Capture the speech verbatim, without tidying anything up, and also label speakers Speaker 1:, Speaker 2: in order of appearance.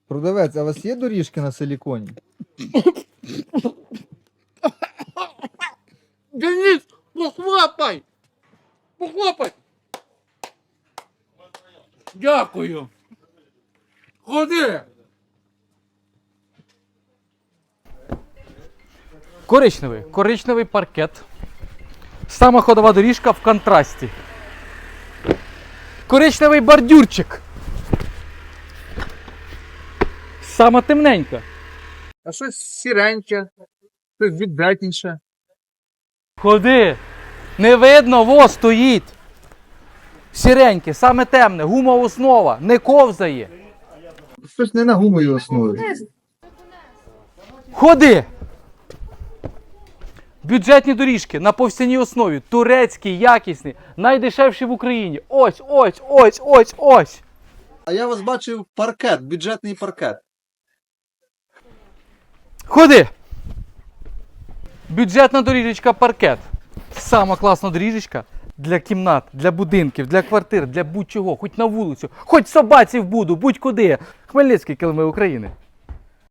Speaker 1: Продавець, а у вас є доріжки на силіконі?
Speaker 2: Денис, похлопай! Похлопай! Дякую. Ходи.
Speaker 3: Коричневий. Коричневий паркет. Сама ходова доріжка в контрасті. Коричневий бордюрчик. Сама темненька.
Speaker 2: А щось сіреньке, щось віддатніше.
Speaker 3: Ходи. Не видно, во стоїть. Сіреньке, саме темне, гумова основа, не ковзає.
Speaker 1: Щось не на гумовій основі.
Speaker 3: Ходи. Бюджетні доріжки на повстяній основі, турецькі, якісні, найдешевші в Україні. Ось, ось, ось, ось, ось.
Speaker 1: А я вас бачив паркет, бюджетний паркет.
Speaker 3: Ходи. Бюджетна доріжечка паркет. Сама класна доріжечка для кімнат, для будинків, для квартир, для будь-чого, хоч на вулицю, хоч собаці в буду, будь-куди. Хмельницький, килими України.